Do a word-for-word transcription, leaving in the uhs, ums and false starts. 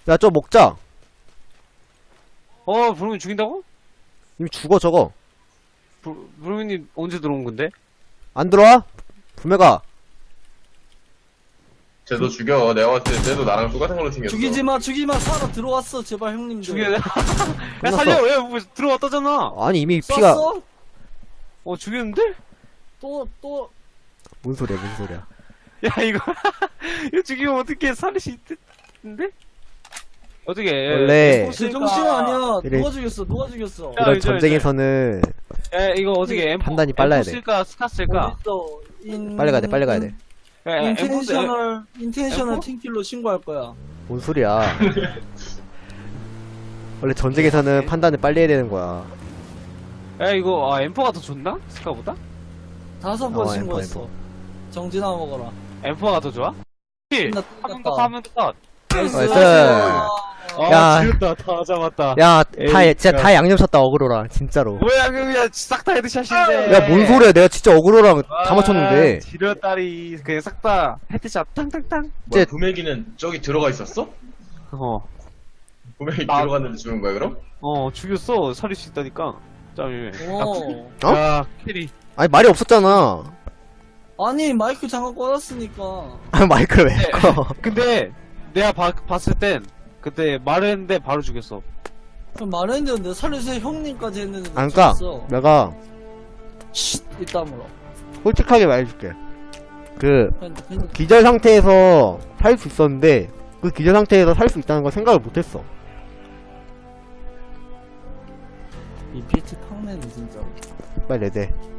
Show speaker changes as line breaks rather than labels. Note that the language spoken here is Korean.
야, 저 먹자.
어, 브루민 죽인다고?
이미 죽어, 저거.
브, 브루민님 언제 들어온 건데?
안 들어와? 분명가.
쟤도 죽여. 내가 봤을 때 쟤도 나랑 똑같은 걸로 생겼어.
죽이지마 죽이마 살아 들어왔어 제발 형님들.
죽여. 야, 살려! 야, 뭐, 들어왔다잖아!
아니, 이미 피가.
쐈어?
어, 죽였는데?
또 또.
뭔 소리야, 뭔 소리야.
야, 이거, 이거 죽이면 어떻게 살릴 수 있는데? 어떻게,
원래
제 정신 아니야.
이래.
누가 죽였어? 누가 죽였어?
야,
이런
이제,
전쟁에서는
야, 이거 어떻게, 엠포,
판단이 빨라야 돼.
엠포 쓸까, 스카 쓸까?
어딨어? 인...
빨리 가야 돼, 빨리 가야 돼.
야, 야, 엠포 쓸,
인텐셔널 인텐셔널
엠포?
팀킬로 신고할 거야.
뭔 소리야. 원래 전쟁에서는 판단을 빨리 해야 되는 거야.
야, 이거, 아, 엠포가 더 좋나? 스카보다?
다섯 번
어,
신고했어.
엠포,
정진아 먹어라.
엠포가 더 좋아?
끝났다,
하면
끝났다.
더, 하면 더.
나이스.
나이스.
아,
야.
지렸다. 다 잡았다.
야,
에이,
다, 진짜
야.
다 양념 쳤다, 어그로랑. 진짜로.
뭐야, 그냥 싹 다 헤드샷인데.
야, 뭔 소리야. 내가 진짜 어그로랑 다 맞췄는데.
아, 지렸다리. 그냥 싹 다 헤드샷 탕탕탕.
뭐야,
쟤-
구매기는 저기 들어가 있었어?
어,
구매기
나-
들어갔는데 죽은 거야 그럼?
어, 죽였어. 살릴 수 있다니까. 짬이.
어.
어?
야, 캐리.
아니, 말이 없었잖아.
아니 마이크 장갑 꽂았으니까.
아, 마이크를 왜
네.
꺼.
근데, 내가 봐, 봤을 땐, 그때 말했는데 바로 죽였어.
그럼 말했는데 내가 살려주세요 형님까지 했는데
안 까.
죽였어.
내가
쉿 이따물어.
솔직하게 말해줄게. 그,
그냥- 그냥-
기절 상태에서 살 수 있었는데, 그 기절 상태에서 살 수 있다는 걸 생각을 못했어.
이 비트 탕내는 진짜.
빨리 내대.